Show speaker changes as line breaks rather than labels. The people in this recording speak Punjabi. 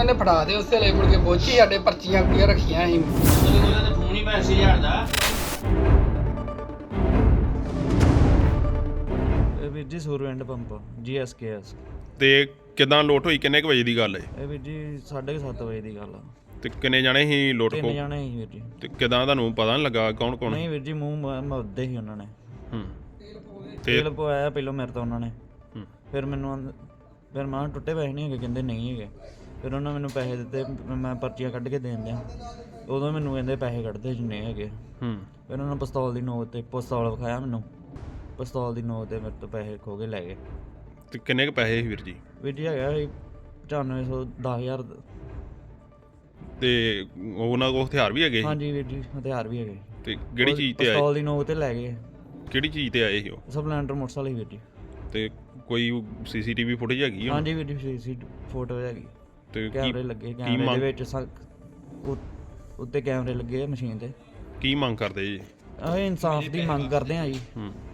ਉਹਨੇ ਫੜਾ ਦੇ ਉਸੇ ਵੇਲੇ ਮੁੜ ਕੇ ਪਹੁੰਚੀ ਸਾਡੇ ਪਰਚੀਆਂ ਕੁੜੀਆਂ ਰੱਖੀਆਂ ਸੀ
ਉਹਦੇ ਕੋਲ ਤਾਂ ਫੋਨ ਹੀ 80,000 ਦਾ।
ਇਹ ਵੀਰ ਜੀ ਸੂਰਵਿੰਡ ਪੰਪ GSKS।
ਤੇ ਕਿਦਾਂ ਲੋਟ ਹੋਈ, ਕਿੰਨੇ ਕੁ ਵਜੇ ਦੀ ਗੱਲ ਹੈ?
ਇਹ ਵੀਰ ਜੀ 7:30 ਵਜੇ ਦੀ ਗੱਲ ਆ।
ਤੇ ਕਿੰਨੇ ਜਾਣੇ ਸੀ ਲੋਟ
3
ਕੋ?
ਜਾਣੇ ਸੀ ਵੀਰ ਜੀ।
ਤੇ ਕਿਦਾਂ ਤੁਹਾਨੂੰ ਪਤਾ ਨਹੀਂ ਲੱਗਾ ਕੌਣ ਕੌਣ?
ਨਹੀਂ ਵੀਰ ਜੀ ਮੂੰਹ ਮੱਦੇ ਸੀ ਉਹਨਾਂ ਨੇ।
ਤੇ
ਤੇਲ ਪਵਾਇਆ ਪਹਿਲਾਂ ਮੇਰੇ ਤੋਂ ਉਹਨਾਂ ਨੇ।
ਹੂੰ।
ਫਿਰ ਮੈਂ ਟੁੱਟੇ ਪੈਸੇ ਨਹੀਂ ਹੈਗੇ, ਕਹਿੰਦੇ ਨਹੀਂ ਹੈਗੇ। ਫਿਰ ਉਹਨਾਂ ਮੈਨੂੰ ਪੈਸੇ ਦਿੱਤੇ, ਮੈਂ ਪਰਚੀਆਂ ਕੱਢ ਕੇ ਦੇਣ ਦਿਆਂ। ਉਦੋਂ ਮੈਨੂੰ ਕਹਿੰਦੇ ਪੈਸੇ ਕੱਢਦੇ ਜਿੰਨੇ ਹੈਗੇ। ਫਿਰ ਉਹਨਾਂ ਨੇ ਪਿਸਤੌਲ ਦੀ ਨੋਕ ਤੇ ਪਿਸਤੌਲ ਵਿਖਾਇਆ ਮੈਨੂੰ। ਪਿਸਤੌਲ ਦੀ ਨੋਕ ਤੇ ਮੇਰੇ ਤੋਂ ਪੈਸੇ ਖੋਹ ਕੇ ਲੈ ਗਏ।
ਤੇ ਕਿੰਨੇ ਕੁ ਪੈਸੇ ਸੀ ਵੀਰ ਜੀ?
ਵੀਰ ਜੀ ਹੈਗਾ ਸੀ 9500 10,000।
ਤੇ ਉਹਨਾਂ ਕੋਲ ਹਥਿਆਰ ਵੀ ਹੈਗੇ ਸੀ?
ਹਾਂਜੀ ਵੀਰ ਜੀ ਹਥਿਆਰ ਵੀ ਹੈਗੇ।
ਤੇ ਕਿਹੜੀ ਚੀਜ਼ ਤੇ ਆਏ?
ਪਿਸਤੌਲ ਦੀ ਨੋਕ ਤੇ ਲੈ ਗਏ।
ਕਿਹੜੀ ਚੀਜ਼ ਤੇ ਆਏ ਸੀ ਉਹ?
ਸਪਲੈਂਡਰ ਮੋਟਰਸਾਈਕਲ ਵੀਰ ਜੀ।
ਤੇ ਕੋਈ CCTV ਫੁਟੇਜ ਹੈਗੀ?
ਹਾਂਜੀ ਵੀਰ ਜੀ ਸੀ ਫੋਟੋ ਹੈਗੀ।
ਤੇ
ਕੈਮਰੇ ਲੱਗੇ, ਕੈਮਰੇ ਦੇ ਵਿੱਚ ਉੱਤੇ ਕੈਮਰੇ ਲੱਗੇ ਆ ਮਸ਼ੀਨ ਤੇ।
ਕੀ ਮੰਗ ਕਰਦੇ ਜੀ?
ਅਸੀਂ ਇਨਸਾਫ ਦੀ ਮੰਗ ਕਰਦੇ ਹਾਂ ਜੀ।